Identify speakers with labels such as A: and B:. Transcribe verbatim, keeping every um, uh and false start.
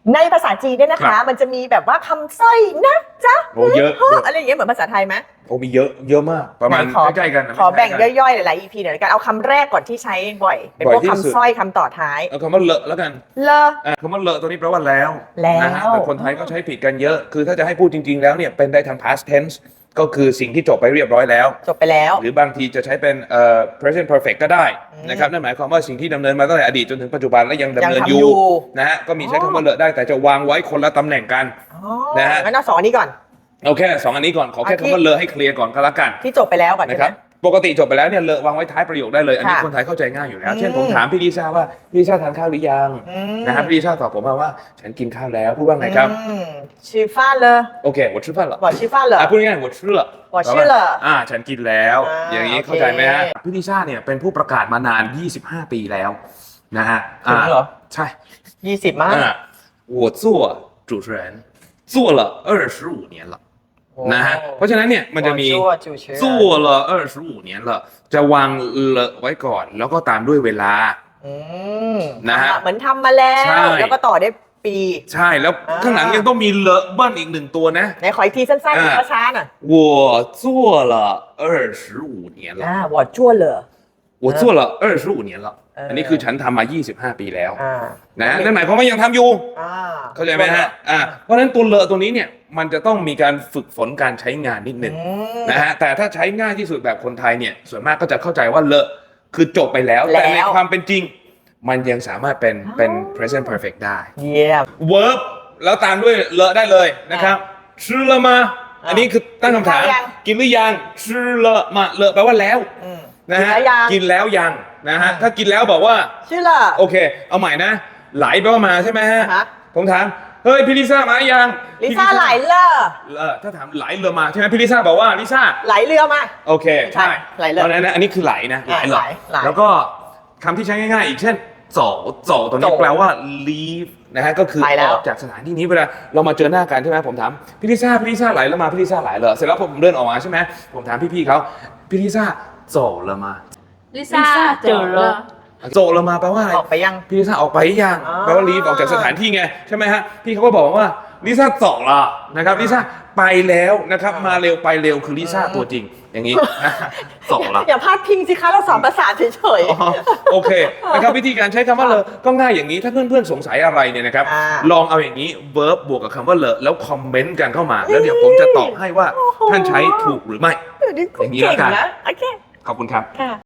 A: ในภาษาจีนเนี่ยนะคะมันจะมีแบบว่าคำสร้อยนะจ๊ะ
B: โอ้เยอะ
A: อะไรอย่างเงี้ยเหมือนภาษาไทยไหม
B: โอ้มีเยอะเยอะมากประมาณ
A: ไหนขอ
B: ใกล้ๆกันนะ
A: ขอแบ่ง
B: ใกล้ๆ
A: ย่อยๆหลายๆ อี พี หน่อยละกันเอาคำแรกก่อนที่ใช้บ่อย เป็นพวก
B: บ่อยที่สุด
A: คำสร้อยคำต่อท้าย
B: เอาคำว่าเลอะแล้วกัน
A: เลอ
B: อ่ะคำว่าเลอะตัวนี้แปลว่าแล้ว
A: แล้ว
B: นะฮะแต่คนไทยก็ใช้ผิดกันเยอะ คือถ้าจะให้พูดจริงๆแล้วเนี่ยเป็นได้ทาง past tense ก็คือสิ่งที่จบไปเรียบร้อยแล้ว
A: จบไปแล้ว
B: หรือบางทีจะใช้เป็นเอ่อ present perfect ก็ได้นะครับนั่นหมายความว่าสิ่งที่ดำเนินมาตั้งแต่อดีตจนถึงปัจจุบันและยังดำเนิน
A: ยังทำ
B: อ
A: อยู่
B: ยู่นะฮะก็มีใช้คำว่าเลอะได้แต่จะวางไว้คนละตำแหน่งกัน
A: อ๋อ
B: นะฮะ
A: งั้นเอาสองอันนี้ก่อน
B: เอาแค่สองอันนี้ก่อนขอแค่
A: เอาที่
B: คำว่าเลอะให้เคลียร์ก่อนก็แล้วกัน
A: ที่จบไปแล้วก่อนใช่
B: นะ
A: ไห
B: ค
A: ม
B: รับปกติจบไปแล้วเนี่ยเลอะวางไว้ท้ายประโยคได้เลยอันนี้
A: ค่ะ
B: คนไทยเข้าใจง่ายอยู่แล้ว
A: อืม
B: เช่นผมถามพี่ลิซ่าว่าพี่ลิซ่าทานข้าวหรือยัง
A: อืม
B: นะครับพี่ลิซ่าตอบผมมาว่าฉันกินข้าวแล้วพูดว่าไงครับ
A: อืมชื่อฟ้าเลย
B: โอเค我吃饭了
A: บอกชื่อฟ้าเลย
B: อ่ะพูดง่ายๆ我吃了
A: 我吃了
B: อ่าฉันกินแล้ว
A: อ่า
B: อย่างนี้
A: โอเค
B: เข้าใจไหมฮะพี่ลิซ่าเนี่ยเป็นผู้ประกาศมานานยี่สิบห้าปีแล้วนะฮะ
A: ถึงเหรอ
B: ใช่
A: ยี่สิบมั้ง
B: อ่า我做主持人做了二十五年了นะฮะเพราะฉะนั้นเนี่ยมันจะมี
A: ชั่วจูเชื้อ
B: 做了二十五年了จะวางเลอะไว้ก่อน แล้วก็ตามด้วยเวลา
A: อืม
B: นะฮะ
A: เหมือนทำมาแล้
B: ใช่
A: ว แล้วก็ต่อได้ปี
B: ใช่แล้ว
A: อ่า
B: ข้างหลังยังต้องมีเลอะเบิ้ลอีกหนึ่งตัวนะ
A: ไหนขออีกทีสั้น
B: อ่า
A: ๆช้าๆหน่อย
B: 我做了二十五年了
A: อ่า我ชั่วเลย
B: 我做了二十五年了
A: เอออั
B: อันนี้คือฉันทำมายี่สิบห้าปีแล้ว
A: อ่า
B: นะนั่นหมายความว่ายังทำอยู่
A: อ่า
B: เข้าใจไหมฮะอ่าเพราะฉะนั้นตัวเลอะตัวนี้เนี่ยมันจะต้องมีการฝึกฝนการใช้งานนิดหนึ่ง
A: อืม
B: นะฮะแต่ถ้าใช้ง่ายที่สุดแบบคนไทยเนี่ยส่วนมากก็จะเข้าใจว่าเลอะคือจบไปแล้ว
A: แล้ว
B: แต่ในความเป็นจริง มันยังสามารถเป็นเป็น present perfect ได้
A: เยี่ยม
B: verb แล้วตามด้วยเลอะได้เลยนะครับชื่อละมาอันนี้คือตั้งคำถาม
A: กินหรือยัง
B: กินหรือยังชื่อละมาเลอะแปลว่าแล้ว
A: อืม
B: นะฮะ
A: กินแล้วยัง
B: กินแล้วยังนะฮะถ้ากินแล้วบอกว่า
A: ชื่อเลย
B: โอเค เอาใหม่นะ ไหลแปลว่ามาใช่ไหมฮะ
A: อ่าฮะ
B: ผมถาม เฮ้ยพี่ลิซ่ามายัง
A: ลิซ่าไหลเลอ
B: เออถ้าถามไหลเรือมาใช่ไหมพี่ลิซ่าบอกว่าลิซ่า
A: ไหลเรือมา
B: โอเค
A: ใช่ไหลเรือ
B: ตอนนั้นนะอันนี้คือไหลนะไหล
A: อ่า
B: เหรอ
A: ไหลไหล
B: แล้วก็คำที่ใช้ง่ายๆ อีกเช่นโจโจตัวนี้
A: โจ
B: แปลว่า leave นะฮะก็คือ
A: ไปแล้
B: อ
A: ว
B: อกจากสถานที่นี้เวลาเรามาเจอหน้ากันใช่ไหมผมถามพี่ลิซ่าพี่ลิซ่าไหลแล้วมาพี่ลิซ่าไหลเหรอเสร็จแล้วผมเดินออกมาใช่ไหมผมถามพี่ๆเขาพี่ลิซ่าโจแล้วมา
C: ลิซ่าเจอแล้ว
B: โจแล้วมาแปลว่าอะไร
A: ออกไปยัง
B: พี่ลิซ่าออกไปยัง
A: อ๋อ
B: แปลว่า leave ออกจากสถานที่ไงใช่ไหมฮะพี่เขาก็บอกว่าลิซ่าโจละนะครับลิซ่าไปแล้วนะครับมาเร็วไปเร็วคือลิซ่าตัวจริงอย่างนี้โจละ
A: อย่าพลาดพิงสิคะเราสอนภาษาเฉย
B: อ๋อโอเคนะครับวิธีการใช้คำว่าเลอะก็ง่ายอย่างนี้ถ้าเพื่อนๆสงสัยอะไรเนี่ยนะครับ
A: อ่า
B: ลองเอาอย่างนี้ verb บวกกับคำว่าเลอะแล้วคอมเมนต์กันเข้ามา แล้วเดี๋ยวผมจะตอบให้ว่าท่านใช้ถูกหรือไม่
A: ๆเดี๋ยวนี้คุณ
B: อย่างนี้
A: เก่
B: แล้ว
A: ง
B: กัน
A: นะโอเค
B: ขอบคุณครับ
A: ค่ะ